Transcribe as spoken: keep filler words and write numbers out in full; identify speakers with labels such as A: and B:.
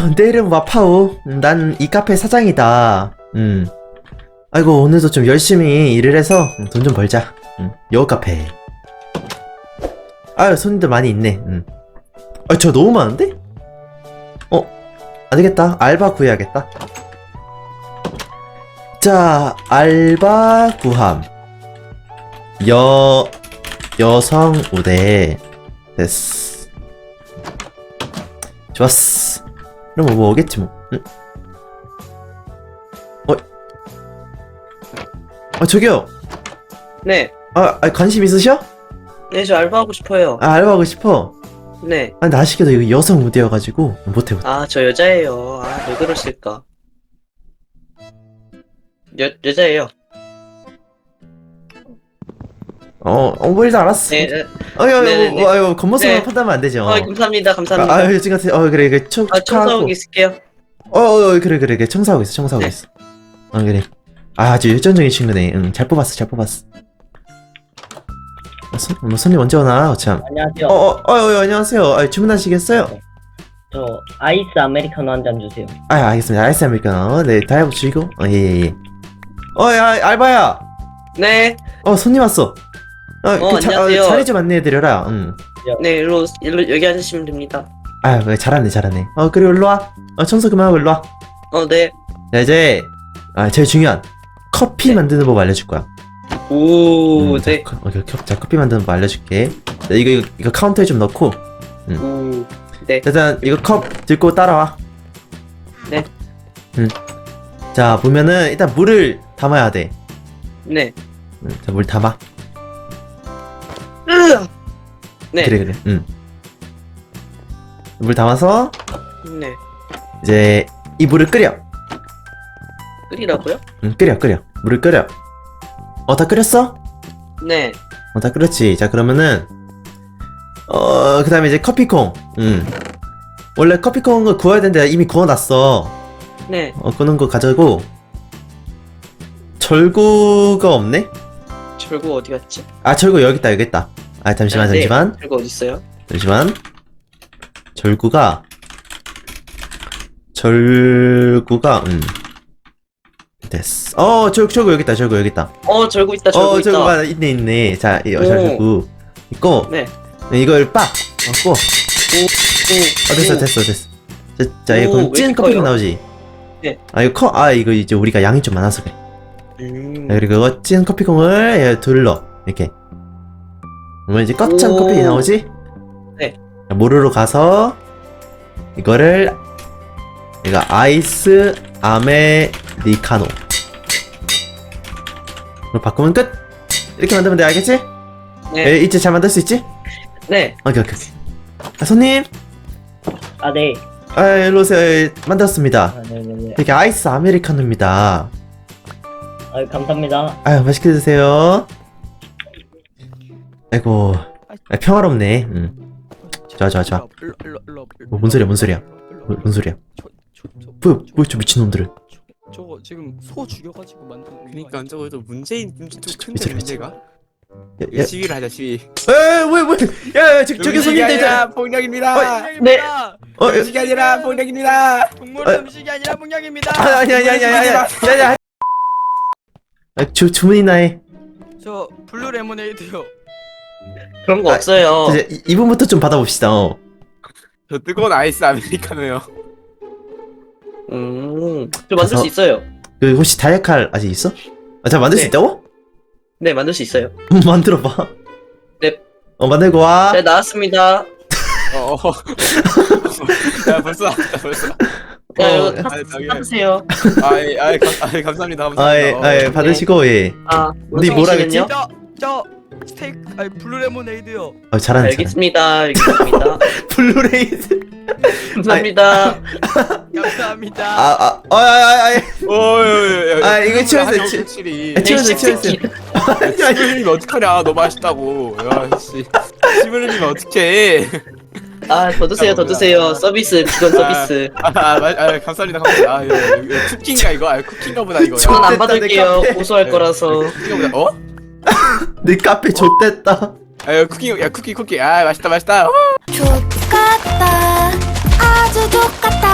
A: 내 이름 와파오. 난 이 카페 사장이다. 음. 아이고, 오늘도 좀 열심히 일을 해서 돈 좀 벌자. 음. 여우 카페. 아유, 손님들 많이 있네. 음. 아, 저 너무 많은데? 어, 안 되겠다. 알바 구해야겠다. 자, 알바 구함. 여, 여성 우대. 됐어. 좋았어. 그럼 뭐 오겠지 뭐. 응? 어? 아 저기요.
B: 네.
A: 아, 아 관심 있으셔?
B: 네, 저 알바하고 싶어요.
A: 아 알바하고 싶어.
B: 네.
A: 아 근데 아쉽게도 이거 여성 우대여가지고 못해 못해.
B: 아, 저 여자예요. 아, 왜 그러실까? 여, 여자예요.
A: 어, 어, 뭐 일단 알았어.
B: 네. 네.
A: 아유,
B: 네네네.
A: 아유, 아유, 겉모습만
B: 네.
A: 판단하면 안 되죠.
B: 아, 감사합니다. 감사합니다.
A: 아, 아유, 지금 같은, 어, 그래, 그래, 청,
B: 아, 청소하고
A: 축하하고.
B: 있을게요.
A: 어, 어, 어, 그래, 그래, 그래, 청소하고 있어, 청소하고
B: 네.
A: 있어. 어, 그래. 아, 아주 열정적인 친구네. 응, 잘 뽑았어, 잘 뽑았어. 어, 손, 뭐, 손님 언제 오나? 어, 참.
C: 안녕하세요.
A: 어, 어, 어, 어, 안녕하세요. 아, 주문하시겠어요?
C: 저 아이스 아메리카노 한 잔 주세요.
A: 아, 알겠습니다. 아이스 아메리카노. 네, 다이브 주시고. 어, 예, 예, 예. 어, 야, 알바야.
B: 네.
A: 어, 손님 왔어. 어,
B: 어,
A: 그 자,
B: 안녕하세요.
A: 어, 자리 좀 안내해드려라. 응.
B: 네, 일로, 일로, 여기 앉으시면 됩니다.
A: 아, 그래, 잘하네, 잘하네. 어, 그리고 일로 와. 어, 청소 그만하고 일로 와.
B: 어, 네.
A: 자, 이제, 아, 제일 중요한. 커피
B: 네.
A: 만드는 법 알려줄 거야.
B: 오,
A: 음, 자,
B: 네.
A: 커, 어, 자, 자, 커피 만드는 법 알려줄게. 자, 이거, 이거, 이거 카운터에 좀 넣고.
B: 오, 네.
A: 자, 일단, 이거 컵 들고 따라와.
B: 네.
A: 음. 자, 보면은, 일단 물을 담아야 돼.
B: 네.
A: 음, 자, 물 담아.
B: 으아! 네.
A: 그래, 그래. 음. 물 담아서,
B: 네.
A: 이제, 이 물을 끓여.
B: 끓이라고요?
A: 음, 끓여, 끓여. 물을 끓여. 어, 다 끓였어?
B: 네.
A: 어, 다 끓였지. 자, 그러면은, 어, 그 다음에 이제 커피콩. 음. 원래 커피콩을 구워야 되는데 이미 구워놨어.
B: 네.
A: 어, 구는 거 가져고. 절구가 없네?
B: 절구 어디 갔지?
A: 아, 절구 여기 있다, 여기 있다. 아, 잠시만,
B: 아, 네.
A: 잠시만.
B: 절구 어디 있어요?
A: 잠시만. 절구가, 절구가, 음. 됐어. 어, 절, 절구 여기 있다, 절구 여기 있다.
B: 어, 절구 있다. 절구
A: 어,
B: 있다.
A: 절구가 있네, 있네. 자, 이, 어,
B: 오.
A: 절구. 있고,
B: 네.
A: 이걸 빡! 넣고,
B: 오, 오.
A: 어, 됐어, 됐어, 됐어. 자, 자, 이거
B: 오,
A: 그럼
B: 왜
A: 찐
B: 이렇게
A: 커피가
B: 커요?
A: 나오지?
B: 네.
A: 아, 이거 커, 아, 이거 이제 우리가 양이 좀 많아서 그래.
B: 음.
A: 자, 그리고 이거 찐 커피콩을 얘 둘러. 이렇게. 그러면 이제 꽉 찬
B: 오.
A: 커피 나오지?
B: 네.
A: 자, 모르로 가서, 이거를, 이거 아이스 아메리카노. 그럼 바꾸면 끝! 이렇게 만들면 돼, 알겠지?
B: 네.
A: 에, 이제 잘 만들 수 있지?
B: 네.
A: 오케이, 오케이, 오케이. 아, 손님!
C: 아, 네.
A: 아, 일로 오세요. 예, 만들었습니다.
C: 아, 네네네.
A: 이게 아이스 아메리카노입니다.
C: 아, 감사합니다.
A: 아유, 맛있게 드세요. 아이고, 아, 평화롭네. 음. 좋아, 좋아, 좋아. 뭐, 뭔 소리야, 뭔 소리야? 뭐, 뭔 소리야? 뭐야, 뭐야, 저 미친놈들은.
D: 저거 지금 소 죽여가지고 만든 거
E: 그니까
D: 아니야?
E: 저거 좀 문제인 문제 좀 큰데
A: 미치라,
E: 문제가.
A: 야,
E: 이거
A: 야,
E: 시위를 하자 시위.
A: 에, 뭐야, 뭐야. 야, 야, 저, 저기
E: 음식이
A: 손님들.
E: 아니라
A: 자,
E: 폭력입니다.
B: 네.
A: 어, 야,
E: 음식이 아니라 폭력입니다.
D: 동물
A: 아,
D: 음식이 아니라 폭력입니다.
A: 아, 아니, 아니, 아니, 아니, 아니, 아니, 아니. 아, 주, 주문이나 해.
D: 저 블루 레모네이드요.
B: 그런 거
A: 아,
B: 없어요.
A: 이제 이- 이분부터 좀 받아봅시다. 어.
E: 저 뜨거운 아이스 아메리카노요.
B: 음. 저 만들
A: 가서-
B: 수 있어요.
A: 그, 혹시 다이아칼 아직 있어? 아, 자, 만들 수
B: 네.
A: 있다고?
B: 네, 만들 수 있어요.
A: 음, 만들어봐.
B: 네.
A: 어, 만들고 와.
B: 네, 나왔습니다.
E: 어. 어. 야 벌써 나왔다 벌써.
B: 야,
A: 어,
B: 이거 타-
E: 아니, 저기-
B: 타드세요.
E: 아이 아이 감, 아이 감사합니다 감사합니다.
A: 아, 예, 아, 예, 받으시고, 예.
B: 아,
A: 네, 뭐라 그랬지?
B: 원숭이씨는요?
D: 저저 스테이크 아니 블루 레모네이드요.
A: 어, 잘하네, 잘하네.
B: 알겠습니다. 알겠습니다.
A: 블루레이즈.
B: 감사합니다.
D: 감사합니다.
A: 아, 아, 아, 아, 아,
E: 어, 야, 야, 야,
A: 아, 이거 치워주세요, 치-
E: 치리.
A: 아, 치워주세요,
B: 네,
A: 치워주세요.
E: 침을 흘리면 어떡하냐? 너무 맛있다고. 야 씨. 침을 흘리면 어떡해?
B: 아, 더 드세요, 더 드세요. 서비스, 비건 서비스.
E: 아, 아, 마- 아 감사합니다 감사합니다. 아, 이거, 이거 쿠킹가 이거? 아, 쿠킹가 보다 이거.
B: 저는
A: 좋됐다,
B: 안
A: 내
B: 받을게요.
A: 카페.
B: 고소할
E: 네.
B: 거라서.
E: 쿠킹가 보다 어?
A: 내 카페 좆됐다.
E: 아, 야, 쿠킹 야 쿠키 쿠키. 아, 맛있다 맛있다. 어?
F: 족같다 아주 족같다